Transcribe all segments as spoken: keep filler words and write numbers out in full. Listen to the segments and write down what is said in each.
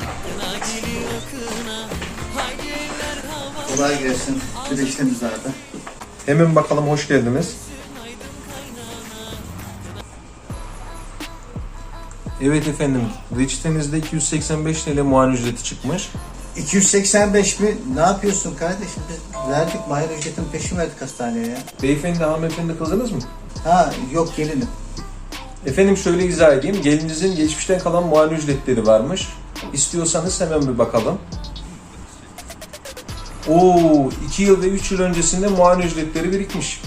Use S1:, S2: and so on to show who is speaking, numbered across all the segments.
S1: Kolay gelsin. Güneşlerimiz nerede?
S2: Hemen bakalım, hoş geldiniz. Evet efendim, reçetenizde iki yüz seksen beş T L muayene ücreti çıkmış.
S1: iki yüz seksen beş mi? Ne yapıyorsun kardeşim? Biz verdik, muayene ücretin peşin verdik hastaneye ya.
S2: Beyefendi, hanımefendi kızınız mı?
S1: Ha yok, gelinim.
S2: Efendim şöyle izah edeyim, gelinizin geçmişten kalan muayene ücretleri varmış. İstiyorsanız hemen bir bakalım. Oo, iki yıl ve üç yıl öncesinde muayene ücretleri birikmiş.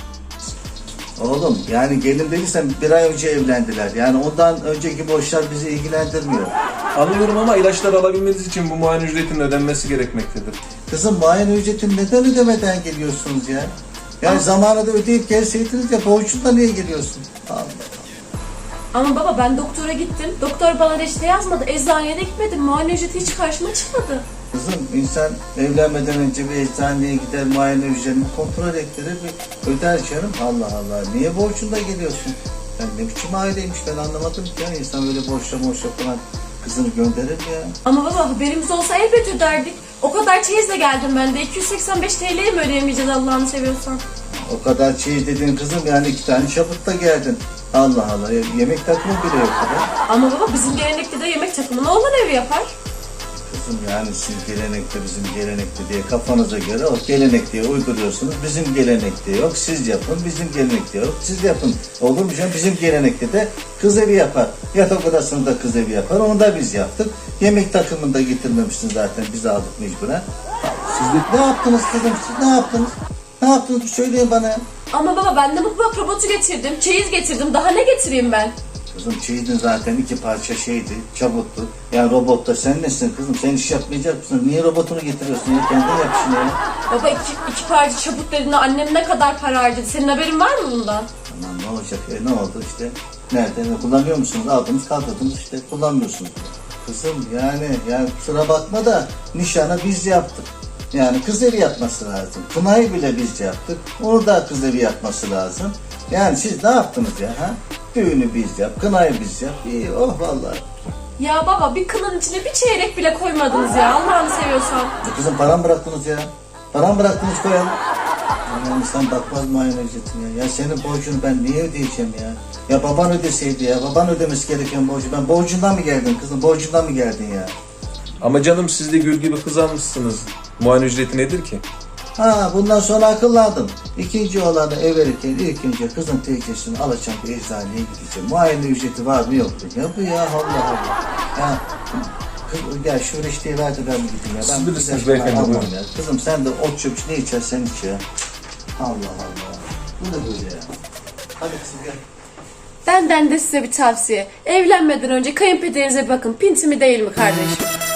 S1: Oğlum yani gelin dediysen bir ay önce evlendiler. Yani ondan önceki borçlar bizi ilgilendirmiyor.
S2: Anlıyorum ama ilaçlar alabilmeniz için bu muayene ücretinin ödenmesi gerekmektedir.
S1: Kızım, muayene ücretini neden ödemeden geliyorsunuz ya? Yani
S3: Ama-
S1: zamanında ödeyip gelseydiniz ya, borcundan niye geliyorsun? Allah.
S3: Ama baba ben doktora gittim. Doktor bana reçete yazmadı. Eczaneye de gitmedim. Muayene ücreti hiç karşıma çıkmadı.
S1: Kızım, insan evlenmeden önce bir eczaneye gider, muayene ücretini kontrol ettirir ve öder canım. Allah Allah, niye borcunda geliyorsun? Ben ne biçim aileymiş, ben anlamadım ki ya. İnsan böyle borçla borçla falan kızını gönderir mi ya?
S3: Ama baba haberimiz olsa elbet öderdik. O kadar çeyizle geldim ben de. iki yüz seksen beş T L'yi mi ödeyemeyeceğiz Allah'ını seviyorsan?
S1: O kadar çeyiz dediğin kızım, yani iki tane çabukla geldin. Allah Allah, yemek takımı bile yok ya.
S3: Ama baba bizim gelenekte de yemek takımını oğlan evi yapar.
S1: Kızım yani siz gelenekte, bizim gelenekte diye kafanıza göre o gelenek diye uyduruyorsunuz. Bizim gelenekte yok, siz yapın. Bizim gelenekte yok, siz yapın. Olur mu canım? Bizim gelenekte de kız evi yapar. Yatak odasında kız evi yapar. Onu da biz yaptık. Yemek takımını da getirmemişsiniz zaten. Biz aldık mecburen. Siz de ne yaptınız kızım? Siz ne yaptınız? Ne yaptınız? Söyleyin bana.
S3: Ama baba ben de mutfak robotu getirdim. Çeyiz getirdim. Daha ne getireyim ben?
S1: Kızım çeyizin zaten iki parça şeydi, çabuktu. Yani robotta sen nesin kızım? Sen iş yapmayacak mısın? Niye robotunu getiriyorsun ya? Kendin yap işini ya.
S3: Baba iki, iki parça çabuk dediğinde annem ne kadar para harcadı? Senin haberin var mı bundan?
S1: Aman ne olacak ya? Ne oldu işte? Nerede? Ne kullanıyor musunuz? Aldınız, kaldırdınız işte. Kullanmıyorsunuz. Kızım yani, yani kusura bakma da nişanı biz yaptık. Yani kız evi yapması lazım. Kınayı bile biz yaptık. Onu da kız evi yapması lazım. Yani siz ne yaptınız ya? Ha? Düğünü biz yap, kınayı biz yap. İyi, oh vallahi.
S3: Ya baba bir kınanın içine bir çeyrek bile koymadınız ya Allah'ını seviyorsan.
S1: Ya kızım, param bıraktınız ya. Param bıraktınız, koyalım. Yani insan bakmaz muayene ücretine ya. Ya senin borcunu ben niye ödeyeceğim ya? Ya baban ödeseydi ya. Baban ödemesi gereken borcu. Ben borcundan mı geldin kızım? Borcundan mı geldin ya?
S2: Ama canım, siz de gül gibi kız almışsınız. Muayene ücreti nedir ki?
S1: Ha, bundan sonra akıllandım. İkinci oğlanı ev verirken ilk önce kızın teyzesini alacağım, bir eczaneye gideceğim. Muayene ücreti var mı yok mu? Ya bu ya, Allah Allah. Ya kız, gel şu reçeteyi ver de ben bir gideyim ya.
S2: Siz
S1: Ben
S2: bilirsiniz
S1: bir
S2: beyefendi,
S1: almam
S2: buyurun.
S1: ya. Kızım sen de ot çöp ne içersen iç ya. Allah Allah. Bu ne böyle ya? Hadi kızım gel.
S3: Benden de size bir tavsiye. Evlenmeden önce kayınpederinize bir bakın. Pinti mi değil mi kardeşim?